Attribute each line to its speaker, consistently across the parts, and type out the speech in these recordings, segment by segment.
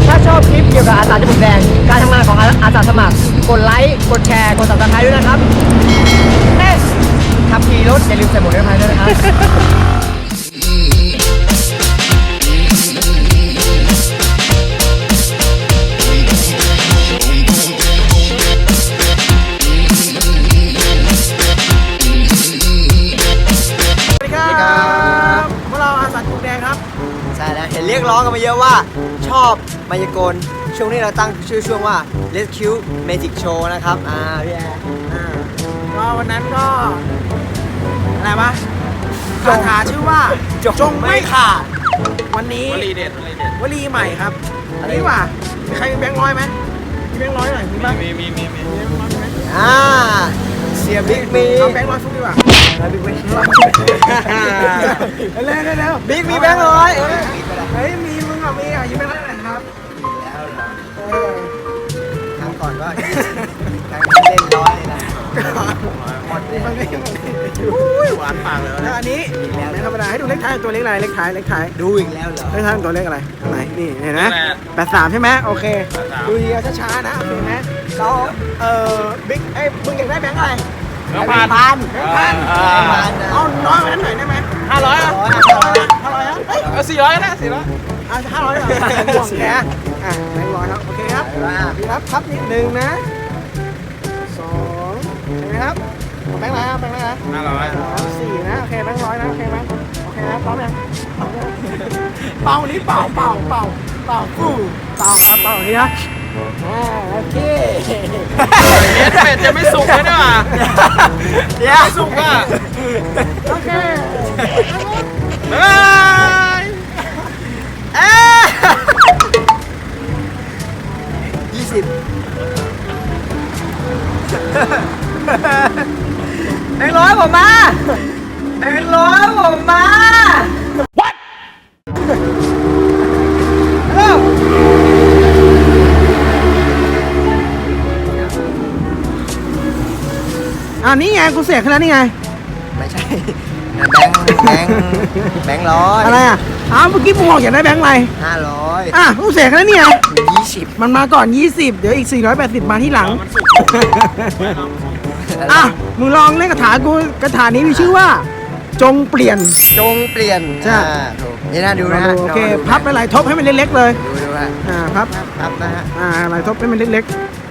Speaker 1: ถ้าชอบคลิปเกี่ยวกับอาสาจมูกแดงการทำงานของอาสาสมัครกดไลค์กดแชร์กด Subscribe ด้วยนะครับขับขี่รถอย่าลืมใส่หมวกนิรภัยด้วยนะครับเห็นเรียกร้องกันมาเยอะว่าชอบมายากลช่วงนี้เราตั้งชื่อช่วงว่า Rescue Magic Show นะครับพี่แอร์
Speaker 2: ก็วันนั้นก็อะไรวะคาถาชื่อว่าจงไม่ขาดวันนี้วลีเด็ดวลีใหม่ครับอันนี้ว่ะมีใครมีแบงค์ร้อยไหมมีแบงค์ร้อยหน่อยมีบ้างมีแบงค์ร้อยไหม
Speaker 1: เสียบิ๊กมี
Speaker 2: เอาแบงค์ร้อยฟุกดีกว่าบิ๊กมีเร็ว
Speaker 1: บิ๊กมีแบงค์ร้อย
Speaker 2: เฮ้ยมีมึงอ่ะมีอยู่แบงค์ร้อยไหนครับ
Speaker 1: ครั้งก่อนก็ครั้งเล่นร้อยนะหมดเลย
Speaker 2: หวานปากเลยแล้วอันนี้ไม่ธรรมดาให้ดูเลขท้ายตัวเลขอะไรเลขท้าย
Speaker 1: ดูอีกแล้วเหรอ
Speaker 2: เลขท้ายตัวเลขอะไรอะไรนี่เห็นไหม83ใช่ไหมโอเคดูดีช้าๆนะโอเคไหมเราบิ๊กมึงอยากได้แบงค์อะไร
Speaker 1: แบงค์พัน
Speaker 2: เอาน้อยกว่านั้นหน่อยได้ไหม
Speaker 1: 500อ่ะ
Speaker 2: 500อ่ะ
Speaker 1: 400นะ
Speaker 2: 500เหรอห่วงแกแบงค์ร้อยครับโอเคครับพี่รับนิดนึงนะ2ใช่ไหมครับแบงค์อะไรครับแบงค์อะไร4นะโอเคแบงค์ร้อยนะโอเคไหมโอเคครับพร้อมยังเป่านี้เป่าฟูเป่าครับเป่านี้นะโอเค
Speaker 1: เป็ดจะไม่สุกเลยนะไม่สุกอ่ะ
Speaker 2: โอเค
Speaker 1: 20แบงค์ร้อยผมมาแบงค์ร้อยผมมา What
Speaker 2: นี่ไงกูเสียขนาดนี้ไง
Speaker 1: ไม่ใช่แบงค์ร้อย
Speaker 2: อะไรเมื่อกี้มึงบอกอยากได้แบงค์อะไร
Speaker 1: 500
Speaker 2: กูเสียขนาดนี้ไง
Speaker 1: 20
Speaker 2: มันมาก่อน20เดี๋ยวอีก480มาที่หลังมึงลองเล่นคาถากูคาถานี้มีชื่อว่าจงเปลี่ยน
Speaker 1: ใช่ถูกนี่นะดูนะ
Speaker 2: โอเคพับหลายทบให้มันเล็กๆเลย
Speaker 1: ดูฮะ
Speaker 2: พับ
Speaker 1: นะฮะ
Speaker 2: หลายทบให้มันเล็กๆ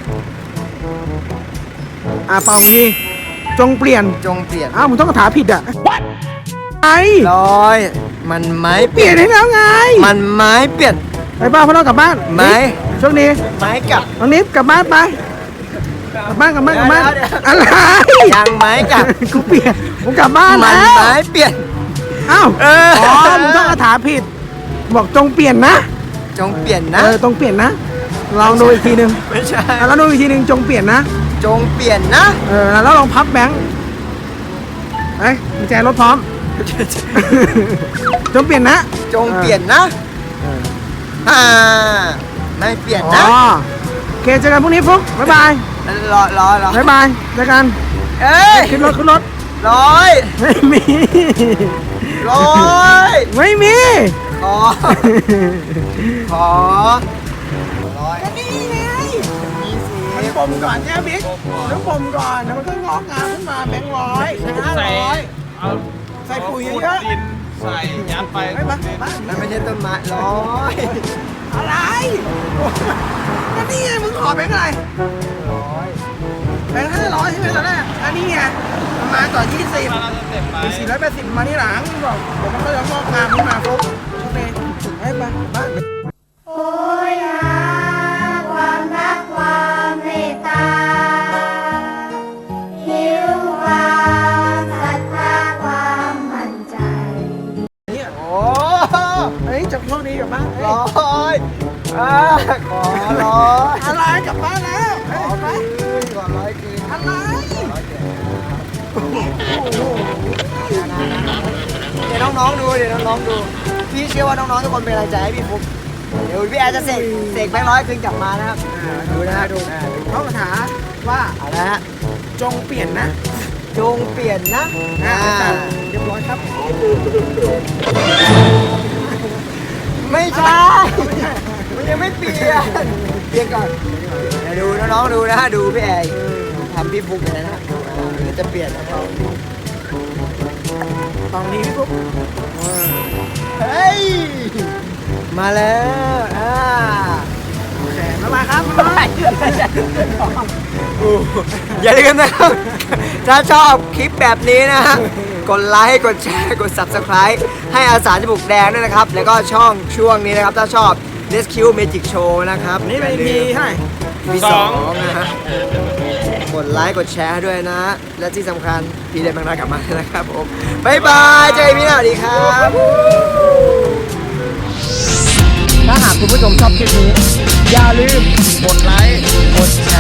Speaker 2: เป่างี้จงเปลี่ยนมึงต้องคาถาผิดไอ้
Speaker 1: ร้อยมันไม้
Speaker 2: เปลี่ยนให้แล้วไง
Speaker 1: มันไม้เปลี่ยน
Speaker 2: ไปบ้านพ่อเรากลับบ้าน
Speaker 1: ไม้
Speaker 2: ช่วงนี้
Speaker 1: ไม้กลับ
Speaker 2: น้องนิฟกลับบ้านไปกลับบ้านอะไร
Speaker 1: ยังไม้กลับ
Speaker 2: กูเปลี่ยนกูกลับบ้าน
Speaker 1: แล้วไม้เปลี่ยน
Speaker 2: มึงต้องคาถาผิดบอกจงเปลี่ยนนะ
Speaker 1: ต้องเปลี่ยนนะ
Speaker 2: ลองดูอีกทีนึง
Speaker 1: ไม่ใช่
Speaker 2: แล้วดูอีกทีนึงจงเปลี่ยนนะแล้วลองพับแบงค์กุญแจรถพร้อมจงเปลี่ยนนะ
Speaker 1: ไม่เปลี่ยนนะ
Speaker 2: โอเคเจอกันพรุ่งนี้ฟุ๊กบ๊ายบายบ๊ายบายเจอกันขึ้นรถ
Speaker 1: 100
Speaker 2: ไม่มี
Speaker 1: 100
Speaker 2: ไม่มี
Speaker 1: ขอ
Speaker 2: ก็นี่ไงมันปมก่อนเนี่ยบิ๊กต้องปมก่อนแล้วมันก็งอกงามขึ้นมาแบงค์500ใส่ปุ๋ยเยอะ
Speaker 3: ใส่ยัดไป
Speaker 1: แล้วไม่ใช่ต้นไม้100
Speaker 2: อะไรก็นี่ไงมึงขอแบงค์อะไรแบงค์500ใช่ไหมตอนแรกอันนี้ไงมันมาก่อน20 480มาที่หลังบอกเดี๋ยวมันก็จะงอกงามขึ้นมาปุ๊บชุดนี้ให้ไป
Speaker 4: โอ้ยความรักความเมตตาหิวความศรัทธาความมั่นใจ
Speaker 2: จะโชคดีกับบ้าน
Speaker 1: 100ขอ100
Speaker 2: อะไรกลับบ้านแล้ว
Speaker 1: ขอ100คืน
Speaker 2: อะไร
Speaker 1: เดี๋ยวน้องๆดูพี่เชื่อว่าน้องๆทุกคนเป็นกำลังใจให้พี่ฟุ๊กเดี๋ยวพี่แอร์จะเสกแบงค์100คืนกลับมานะครับ
Speaker 2: ดูนะเขาคาถาว่า
Speaker 1: อะไรฮะ
Speaker 2: จงเปลี่ยนนะ
Speaker 1: เรี
Speaker 2: ยบร้อยครับ
Speaker 1: ไม่ใช่มันยังไม่เปลี่ย
Speaker 2: เรียกก่อน
Speaker 1: เดี๋ยวดูน้องๆดูนะดูพี่แอร์ทำพี่ฟุกเลยนะเดี๋ยวจะเปลี่ยนนะครับ
Speaker 2: ตอนนี้พี่ปุ๊บ
Speaker 1: เฮ้ยมาแล้ว
Speaker 2: โอเคมาครับ
Speaker 1: อย่าลืมนะครับ ถ้าชอบคลิปแบบนี้นะฮะ กดไลค์ กดแชร์ กด Subscribe ให้อาสาจมูกแดงด้วยนะครับ แล้วก็ช่วงนี้นะครับ ถ้าชอบ Rescue Magic Show นะครับ
Speaker 2: นี่เป็นทีให้
Speaker 1: มีสองนะฮะ กดไลค์ กดแชร์ด้วยนะ และที่สำคัญ พี่เดนบางนากลับมานะครับผม บ๊ายบาย เจอกันพี่หน้าสวัสดีครับ ถ้าหากคุณผู้ชมชอบคลิปนี้ อย่าลืมกดไลค์ กดแช